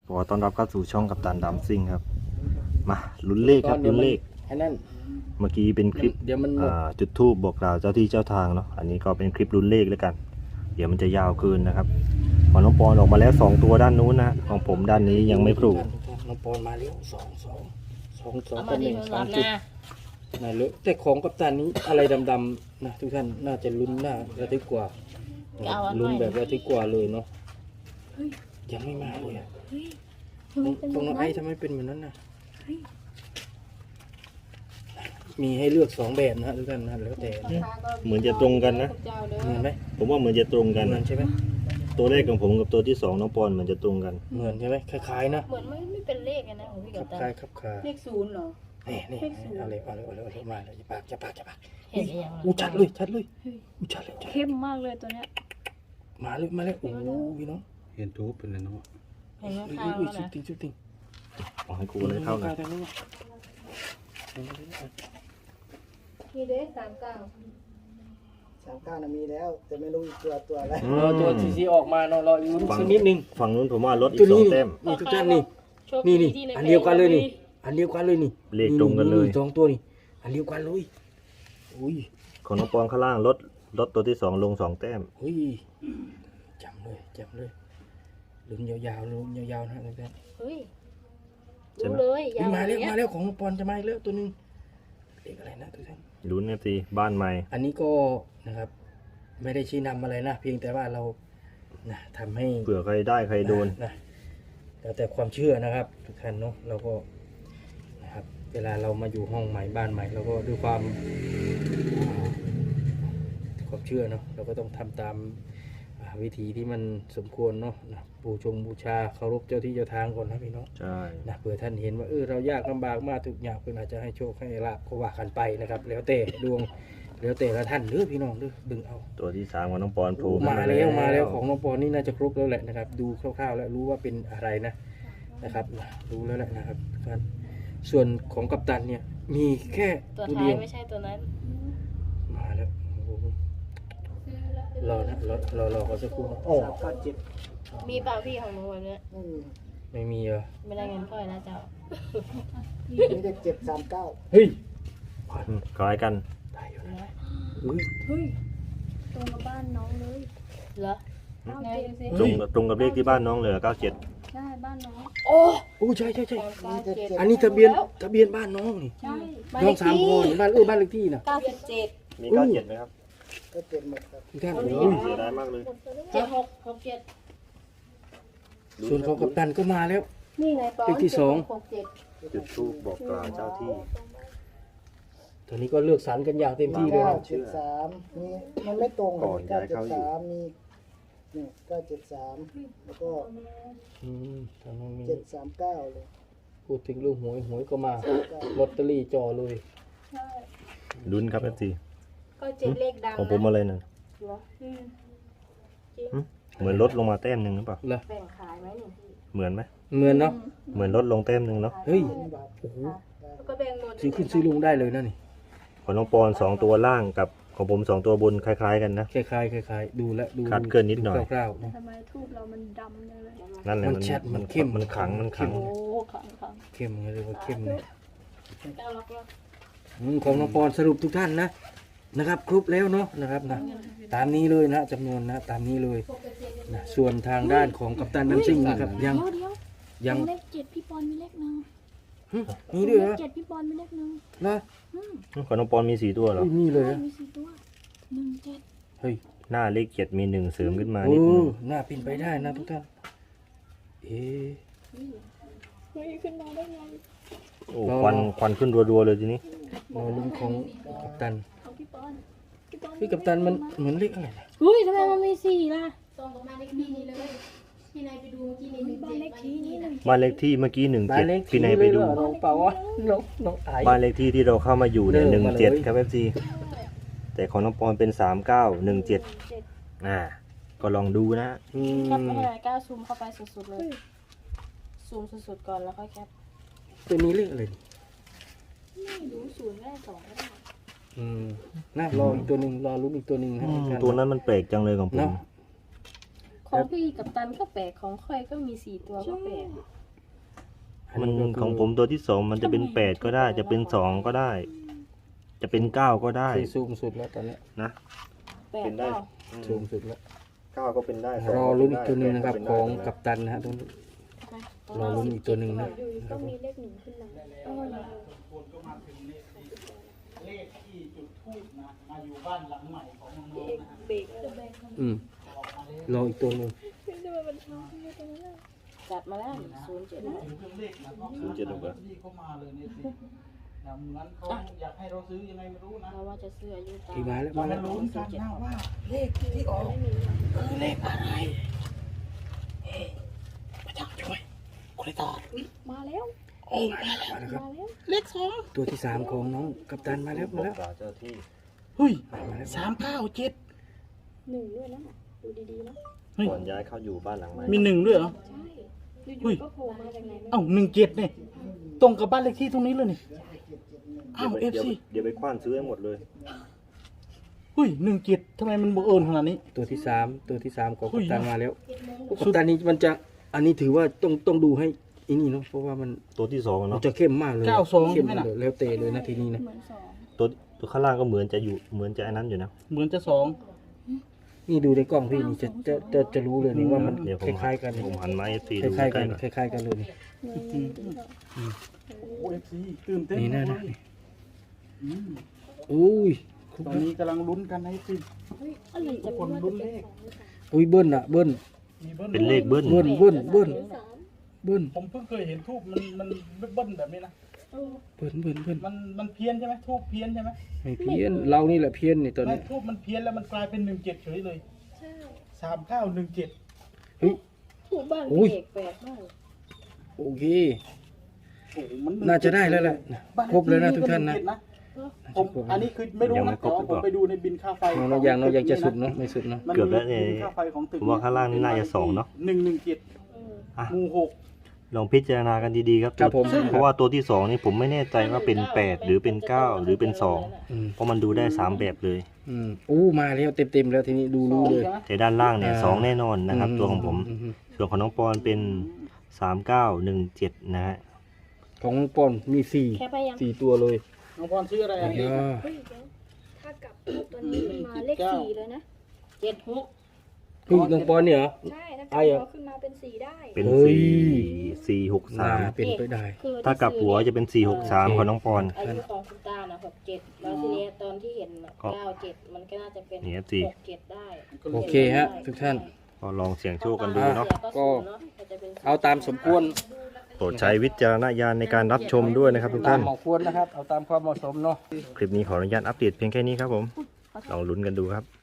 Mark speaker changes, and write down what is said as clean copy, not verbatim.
Speaker 1: ขอต้อนรับเข้าสู่ช่องกัปตันดัมซิ่งครับมาลุ้นเลขครับลุ้นเลข
Speaker 2: ไอ้นั่น
Speaker 1: เมื่อกี้เป็นคลิป
Speaker 2: เดี๋ยวมันหมด
Speaker 1: จุดธูปบอกกล่าวเจ้าที่เจ้าทางเนาะอันนี้ก็เป็นคลิปลุ้นเลขแล้วกัน เดี๋ยวมันจะยาวเกินนะครับของน้องปอนออกมาแล้ว2ตัวด้านนู้นนะของผมด้านนี้ยังไม่โผล่
Speaker 2: น้องปอนมาแล้วสอง
Speaker 3: เอา
Speaker 2: กั
Speaker 3: มา
Speaker 2: บห
Speaker 3: ดิ
Speaker 2: นึ่ง
Speaker 3: มัน
Speaker 2: สา
Speaker 3: รั
Speaker 2: ม
Speaker 3: บ
Speaker 2: จุด
Speaker 3: นะ
Speaker 2: น่าเลอะแต่ของกัปตันนี้อะไรดำๆนะทุกท่านน่าจะลุ้นน่าระทึกกว่าลุ้นแบบระทึกกว่าเลยเนาะยังไม่มาเลยอะตรงน้องไอ้ทำไมเป็นเหมือนนั้นนะมีให้เลือก2แบบนะทุกท่านนะแล้วแต่
Speaker 1: เหมือนจะตรงกันนะ
Speaker 2: เหมือนไหม
Speaker 1: ผมว่าเหมือนจะตรงกัน
Speaker 2: เหมือ
Speaker 1: นะ
Speaker 2: นใช่ไหม
Speaker 1: ตัวแรกของผมกับตัวที่2น้องปอนเหมือนจะตรงกัน
Speaker 2: เหมือนใช่ไหมคล้ายๆนะ
Speaker 3: เหมือนไม่เป็นเลขอะนะของพี่
Speaker 2: ค
Speaker 3: กั
Speaker 2: ลั
Speaker 3: บบ ตา
Speaker 2: คล้ายครับคล้าย
Speaker 4: เลขศูนย์เหรอ
Speaker 2: นี่เอาเลยมาเลยจะปาก
Speaker 3: เห็นหรือยัง
Speaker 2: อู้ชัดอู้ชัดเลย
Speaker 4: เข้มมากเลยตัวเนี้ย
Speaker 2: มาเลยโอ้พี่น้อง
Speaker 5: เห็นทูบเป็นเลยเนาะ
Speaker 3: เห็นข้างๆแล้ว
Speaker 2: สุด
Speaker 3: นะ
Speaker 2: ติง
Speaker 1: ขอให้ครูได้เท่ากัน
Speaker 4: มีเด้39
Speaker 6: 39นะมีแล้ว แต่ไม่รู้อีกตัวอะไร
Speaker 2: รอตัวซีออกมาเนาะรออยู่สักนิดนึง
Speaker 1: ฝั่งนู้นผมว่าลดอี
Speaker 2: ตัว
Speaker 1: ก
Speaker 2: นี้
Speaker 1: 2แต้ม
Speaker 2: นี่ทุกท่านนี่
Speaker 3: โชค
Speaker 2: นี่
Speaker 3: ดีที่ใน
Speaker 2: อันเดียวกันเลยนี่อันเดียวกันเลยนี่
Speaker 1: เลขตรงกันเลย
Speaker 2: สองตัวนี่อันเดียวกันเลยอุ้ย
Speaker 1: ของน้องปอนข้างล่างลดตัวที่2ลง2แต้ม
Speaker 2: อุ้ยจำเลยลุ้นยาวๆนะทุกท่าน
Speaker 3: เฮ้ยรู้เลยยาว
Speaker 2: มา
Speaker 3: อย่างเงี้ย
Speaker 2: แล้วของปอนจะมาอีกแล้วตัวนึงเลขอะไรนะทุกท่าน
Speaker 1: ลุ้นสิบ้านใหม่
Speaker 2: อันนี้ก็นะครับ ไม่ได้ชี้นำอะไรนะเพียงแต่ว่าเรานะทำให้
Speaker 1: เผื่อใครได้ใครโดน
Speaker 2: นะแล้วแต่ความเชื่อนะครับ ทุกท่านเนาะเราก็นะครับเวลาเรามาอยู่ห้องใหม่บ้านใหม่เราก็ด้วยความเชื่อเนาะเราก็ต้องทำตามวิธีที่มันสมควรเนาะนะบูชาเคารพเจ้าที่เจ้าทางก่อนนะพี่น้อง
Speaker 1: ใช่
Speaker 2: นะเผื่อท่านเห็นว่าเรายากลำบากมากทุกอย่างเพื่อนอาจจะให้โชคให้ลาภก็ว่ากันไปนะครับ แล้วแต่ดวงแล้วแต่ละท่านเด้อพี่น้องเด้อดึงเอา
Speaker 1: ตัวที่3ของน้องปอนโผล่
Speaker 2: มาแล้วของน้องปอนนี่น่าจะครบแล้วแหละนะครับ ดูคร่าวๆแล้วรู้ว่าเป็นอะไรนะครับรู้แล้วแหละนะครับครับส่วนของกัปตันเนี่ยมีแค่
Speaker 3: ตัว
Speaker 2: ตัว
Speaker 3: ท้า
Speaker 2: เดี
Speaker 3: ย
Speaker 2: ยว
Speaker 3: ไม่ใช่ตัวนั้น
Speaker 2: มาแล้วโอ้โหรอนะรอขอสักครู่นะโอ้
Speaker 6: 397
Speaker 3: มีเปล่าพี่ของหนูแบบเนี้ย
Speaker 6: ไม่มี
Speaker 2: ไม่มีเหรอ
Speaker 3: ไม่ได้เงินพ่อยนะเจ้า
Speaker 6: มีแต่739
Speaker 2: เฮ้ย
Speaker 1: คล้ายกัน
Speaker 2: ได้อยู่
Speaker 3: เหร
Speaker 2: นะ
Speaker 3: อ
Speaker 2: อุ้ย
Speaker 4: เฮ้ยตรงกับบ้านน้องเลย
Speaker 3: เหรอ
Speaker 4: เอา
Speaker 3: ไง
Speaker 4: เจ็ดสิ
Speaker 1: ตรงกับเลขที่บ้านน้องเหลือ97
Speaker 4: ใช่บ้านน้อง
Speaker 3: โอ้
Speaker 2: โอ้ใช่
Speaker 6: มีแต่7
Speaker 2: อันนี้ทะเบียนบ้านน้องนี่
Speaker 4: ใช่
Speaker 2: น้อง3 คนบ้านบ้านเลขที่นะ
Speaker 3: 97
Speaker 1: มี97ไหมครับ
Speaker 6: ก็7หมดครับ
Speaker 2: ทุกท่าน
Speaker 1: โอ้
Speaker 2: โอ้ย
Speaker 1: เสียดายมากเลย
Speaker 3: 7667
Speaker 2: ส่วนของกัปตันก็มาแล้ว
Speaker 4: นี่ไงปอน
Speaker 2: เลขที่สอง
Speaker 4: 67
Speaker 1: จุดธูปบอกกล่าวเจ้าที่
Speaker 2: ตอนนี้ก็เลือกสรรกันอย่างเต็มที่เลยนะ
Speaker 6: 973มีมันไม่ตรง
Speaker 1: ก่อนย้ายเข้าอยู่
Speaker 6: 973มีนี่973แล้วก็
Speaker 2: ทางน้องมี
Speaker 6: 739เลย
Speaker 2: พูดถึงเรื่องหวยก็มาลอตเตอรี่จ่อเลย
Speaker 4: ใช่
Speaker 1: ลุ้นครับเอฟซี
Speaker 3: ก็เจ็ดเลขดัง
Speaker 1: ของผมอะไรนั่น
Speaker 3: เหรอ
Speaker 4: อืม
Speaker 1: เหมือนลดลงมาแต้มหนึ่งหรือเปล่า
Speaker 2: เหรอ
Speaker 3: แบ่งขายไหมนี่พี่
Speaker 1: เหมือนไหม
Speaker 2: เหมือนเนาะ
Speaker 1: เหมือนลดลงแต้มหนึ่งเนาะ
Speaker 2: เฮ้ย
Speaker 6: นี่บาท
Speaker 2: โอ้โห
Speaker 3: แล้วก็แบ่งหมด
Speaker 2: ซื้อขึ้นซื้อลงได้เลยนะนี่
Speaker 1: ของน้องปอน2ตัวล่างกับของผม2ตัวบนคล้ายๆกันนะ
Speaker 2: คล้ายๆดูแล้วดู
Speaker 1: คลาดเคลื่อนนิดหน่อย
Speaker 2: คร่าวๆนะ
Speaker 4: ทำไมทูบเรามันดำจังเลย
Speaker 1: นั่นแหละ
Speaker 2: มันชัดมันเข้ม
Speaker 1: มันขังมันขัง
Speaker 4: โอ้ขัง
Speaker 2: เข้มเลยว่าเข้มเลย
Speaker 3: เจ้าล็อกแล้ว
Speaker 2: ของน้องปอนสรุปทุกท่านนะครับ ครบแล้วเนาะนะครับนะตามนี้เลยนะจำนวนนะตามนี้เลยนะส่วนทางด้านของกัปตันดันซิ่งนะครับยัง
Speaker 4: เดี๋ยว
Speaker 2: ยัง
Speaker 4: เลข7พี่ปอนมีเลขหนึ่ง
Speaker 2: มีด้วยเหร
Speaker 4: เล
Speaker 2: อ
Speaker 4: ข7พี่ปอนมีเลขหนึ่ง
Speaker 2: นะ
Speaker 1: ของน้องปอนมี4ตัวเหรอ
Speaker 2: มีเลยเหรอ
Speaker 4: มี4ตัว17
Speaker 2: เฮ้ย
Speaker 1: หน้าเลข7มี1เสริมขึ้นมา
Speaker 2: โอ้
Speaker 1: นิดนึง
Speaker 2: น่าเป็นไปได้นะทุกท่าน เอ๊ะ
Speaker 4: ไม่ขึ้นมาได้ไง
Speaker 1: โอ้ควันขึ้นรัวๆเลยทีนี้
Speaker 2: รอลุ้นของกัปตัน
Speaker 4: ของพี่ปอนพี่ปอน
Speaker 2: พี่กัปตันมันเหมือนเลขอะไรนะ
Speaker 4: เฮ้ยทำไมมันมี4ล่ะ
Speaker 3: ตรงกับบ้านเลขที่นี่เลยที่นายไปดูเมื่อกี้นี่
Speaker 4: บ้านเลขที่นี่เลย
Speaker 1: บ้านเลขที่เมื่อกี้
Speaker 2: บ้านเลข
Speaker 1: 17
Speaker 2: ที่
Speaker 1: พี่นายไปดู
Speaker 2: เลยเหรอน้องเปล่าวะน้องไอ
Speaker 1: บ้านเลขที่ที่เราเข้ามาอยู่เนี่ย
Speaker 2: เดินมาเลย
Speaker 1: 17ครับเอฟซีแต่ของน้องปอนเป็น3917ก็ลองดูนะ
Speaker 2: อื
Speaker 3: แคป
Speaker 2: ม
Speaker 3: ไม่ได้ก้าวซูมเข้าไปสุดๆเลย ซูมสุดๆก่อนแล้วค่อยแคป
Speaker 2: ตัวนี้เลขอะไรนี่
Speaker 3: ไม่รู้ศูนย์ก็ได้2ก็ได้
Speaker 2: น่ารออีกตัวหนึ่งรอลุ้นอีกตัวหนึ่งนะทุกท่าน
Speaker 1: ตัวนั้นมันแปลกจังเลยของผม
Speaker 2: เนาะ
Speaker 3: ของพี่กับตันก็แปลกของค่อยก็มี4ตัวก็แปลก
Speaker 1: มันของผมตัวที่สองมันจะเป็นแปดก็ได้ จะเป็นสองก็ได้ จะเป็นเก้าก็ได้
Speaker 2: คือสูงสุดแล้วตอนเนี้ย
Speaker 1: นะ
Speaker 3: แปลก
Speaker 1: เป็นได้
Speaker 3: เปล่า
Speaker 2: สูงสุดแล้ว
Speaker 1: เก้าก็เป็นได้
Speaker 2: รอลุ้นอีกตัวหนึ่งนะครับของกัปตันนะฮะต้องรอลุ้นอีกตัวหนึ่งนะ
Speaker 4: อยู่ๆก็มีเลขหนึ่งขึ้นมา
Speaker 3: เออ
Speaker 6: เลขที่จุดทูบนะมาอยู่บ้านหลังใหม่ของน้องๆนะฮะ
Speaker 4: เบรกเลย
Speaker 2: รออีกตัวหนึ่ง
Speaker 4: ทำไมมันช้าขึ้นมาตรงนั้นอะ
Speaker 3: จัดมาแล้ว07นะ
Speaker 6: ถึงเครื่องเลขนะก็
Speaker 1: 07ถูกปะ
Speaker 6: ที่เข้ามาเลยเนี่ยสินะเหมือนเขาอยากให้เราซื้อยังไงไม่รู้นะ
Speaker 3: เราว่าจะซื้ออายุตา
Speaker 2: ที่มาแล้ว
Speaker 6: เรา
Speaker 2: มา
Speaker 6: มา
Speaker 2: แล้ว
Speaker 6: ลุ้นกันนะว่าเลขที่ออกคือเลขอะไรพระเจ้าช่วยคุณตอบ
Speaker 4: มาแล้ว
Speaker 6: โอ้มาแล้ว
Speaker 2: มาแล้วครับ
Speaker 4: มาแล้ว
Speaker 6: เลขสอง
Speaker 2: ตัวที่สามของน้องกัปตันมาแล้วมาแล้ว
Speaker 1: เจ้าที่
Speaker 6: เฮ้ย
Speaker 2: มาแล้ว
Speaker 6: 397
Speaker 4: หนึ่งด้วยนะดูดีๆนะ
Speaker 6: เฮ้ย
Speaker 1: ก่อนย้ายเข้าอยู่บ้านหลังใหม่
Speaker 6: มีหนึ่งด้วยเหรอ
Speaker 4: ใช่อ
Speaker 6: เฮ้
Speaker 4: ยู่
Speaker 6: ย
Speaker 4: ๆก็โผล่มาจากไหนไม่รู้
Speaker 6: เอ้า17เนี่ยตรงกับบ้านเลขที่ตรงนี้เลยนี่อ้าว
Speaker 1: เดี๋ยว
Speaker 6: FC
Speaker 1: เดี๋ยวไปคว้านซื้อให้หมดเลย
Speaker 6: เฮ้ย17ทำไมมันบังเอิญขนาดนี้
Speaker 2: ตัวที่สามของ
Speaker 6: อุ้
Speaker 2: กัป
Speaker 6: ย
Speaker 2: ตันมาแล้วกัปตันนี้มันจะอันนี้ถือว่าต้องดูให้อันนี้เนาะเพราะว่ามัน
Speaker 1: ตัวที่สองอะ
Speaker 2: มัน
Speaker 1: เนาะ
Speaker 2: จะเข้มมากเลย
Speaker 6: 92
Speaker 2: เข้ม
Speaker 6: ใช่ไหมน่ะ
Speaker 2: เลยแล้วเตะเลยนะทีนี้นะ
Speaker 3: เหมือนสอง
Speaker 1: ตัวข้างล่างก็เหมือนจะอยู่เหมือนจะอันนั้นอยู่นะ
Speaker 6: เหมือนจะสอง
Speaker 2: นี่ดูในกล้องพี่นี่จะรู้เลยนี่ว่ามัน
Speaker 1: เดี๋ยวผ
Speaker 2: ค
Speaker 1: ม
Speaker 2: ล้ายๆกัน
Speaker 1: ผมหันมาเอฟซี
Speaker 2: ค
Speaker 1: ดู
Speaker 2: ล้ายๆ
Speaker 1: ใก
Speaker 2: กั
Speaker 1: ล้
Speaker 2: น
Speaker 1: ๆหน่อย
Speaker 2: คล้ายๆกันเลยนี่
Speaker 6: โอ้ FC ตื่นเต้น
Speaker 2: นี่
Speaker 6: มา
Speaker 2: นะ
Speaker 6: กเลย
Speaker 2: อุ้ย
Speaker 6: ตอนนี้กำลังลุ้นกันนะ FC
Speaker 4: อะไร
Speaker 6: ทุ
Speaker 4: จะ
Speaker 6: กค
Speaker 4: เป็น
Speaker 6: น
Speaker 4: ว่า
Speaker 6: ลุ้
Speaker 4: จะ
Speaker 6: น
Speaker 4: เป็
Speaker 6: เล
Speaker 4: น
Speaker 6: ข
Speaker 2: อุ้ยเบิ้ลอะเบิ้ล
Speaker 6: มีเบิ้ล
Speaker 1: เป็นเลขเบิ้ล
Speaker 2: เบิ้ล
Speaker 4: สาม
Speaker 2: เบิ้ล
Speaker 6: ผมเพิ่งเคยเห็นทูบมันเบิ้ลแบบนี้นะ
Speaker 4: เออ
Speaker 2: เบิ้ล
Speaker 6: มันเพี้ยนใช่ไหมทูบเพี้ยนใช่ไหม
Speaker 2: ไม่เพี้ยนเรานี่แหละเพี้ยนนี่ตอน
Speaker 6: ไม่
Speaker 2: นี้
Speaker 6: ทูบมันเพี้ยนแล้วมันกลายเป็น17เฉยเลย
Speaker 4: ใช่
Speaker 6: 3917
Speaker 2: เฮ้ย
Speaker 3: ถูกบ้าน
Speaker 2: อุ้ย
Speaker 3: พี่เอกแปลกมาก
Speaker 2: โอเค
Speaker 6: โอ้โหมัน
Speaker 2: น่าจะได้แล้วแหละ
Speaker 6: บ้า
Speaker 2: ครบเลยนะ
Speaker 6: เลข
Speaker 2: ทุกท่านนะ
Speaker 6: 17ผมอันนี้คือไม่รู้นะแต่ว่าผมไปดูในบินค่าไฟ
Speaker 2: น้องยังจะสุดเนาะไม่สุดเนาะ
Speaker 6: มัน
Speaker 1: เกือบแล้ว
Speaker 6: มี
Speaker 1: เนี่ย
Speaker 6: บินค่าไฟของตึก
Speaker 1: ผมว่าข้างล่างนี่น่าจะสองเนาะ
Speaker 6: 117
Speaker 1: อ่ะ
Speaker 6: หมู่6
Speaker 1: ลองพิจารณากันดีๆครับ
Speaker 2: ครับผม
Speaker 1: เพราะว่าตัวที่สองนี่ผมไม่แน่ใจว่าเป็นแปดหรือเป็นเก้าหรือเป็นสอง
Speaker 2: อืม
Speaker 1: เพราะมันดูได้สามแบบเลย
Speaker 2: อู้มาแล้วเต็มแล้วทีนี้ดูรู้เลย
Speaker 1: แต่ด้านล่างเนี่ยสองแน่นอนนะครับ ตัวของผม
Speaker 2: อื
Speaker 1: ส่วนของน้องปอนเป็น3917นะฮะ
Speaker 2: ของปอนมีสี่
Speaker 3: แค่ไปยัง
Speaker 2: ตัวเลย
Speaker 6: น้องพรชื่ออะไรอ่ะ
Speaker 2: อ่า
Speaker 4: เฮ้ยเดี๋ยวถ้ากลับตัวนี้มันมาเลขสี่เลยนะ
Speaker 3: 76
Speaker 2: เฮ้ยน้องปอนเนี่ยเหรอ
Speaker 4: ใช่ถ้าก
Speaker 2: ไอ้
Speaker 4: ลับ
Speaker 2: เหรอ
Speaker 4: หัวขึ้นมาเป็นสี่ได้
Speaker 1: เป็น
Speaker 2: เฮ้ย
Speaker 1: 4
Speaker 2: น่า
Speaker 1: 463
Speaker 2: เป็นไปได้
Speaker 3: คือ
Speaker 1: ถ้ากลับหัวจะเป็น463ของน้องปอน
Speaker 3: อายุของคุณตาน่ะ67แล้วทีนี้ตอนที่เห็นน่ะ
Speaker 1: ก็
Speaker 3: 97มันก็น่าจะเป็น
Speaker 1: นี่ FC
Speaker 3: 67ได้
Speaker 2: โอเคฮะทุกท่าน
Speaker 1: ก็ลองเสี่ยงโชคกันดูเนาะ
Speaker 2: ก็
Speaker 3: จะเป็น
Speaker 2: เอาตามสมควร
Speaker 1: โปรดใช้วิจารณญาณในการรับชมด้วยนะครับทุก
Speaker 2: ตา
Speaker 1: ท่าม น
Speaker 2: เหมาะควรนะครับ เอาตามความเหมาะสมเนาะ
Speaker 1: คลิปนี้ขออนุญาตอัปเดตเพียงแค่นี้ครับผม ลองลุ้นกันดูครับ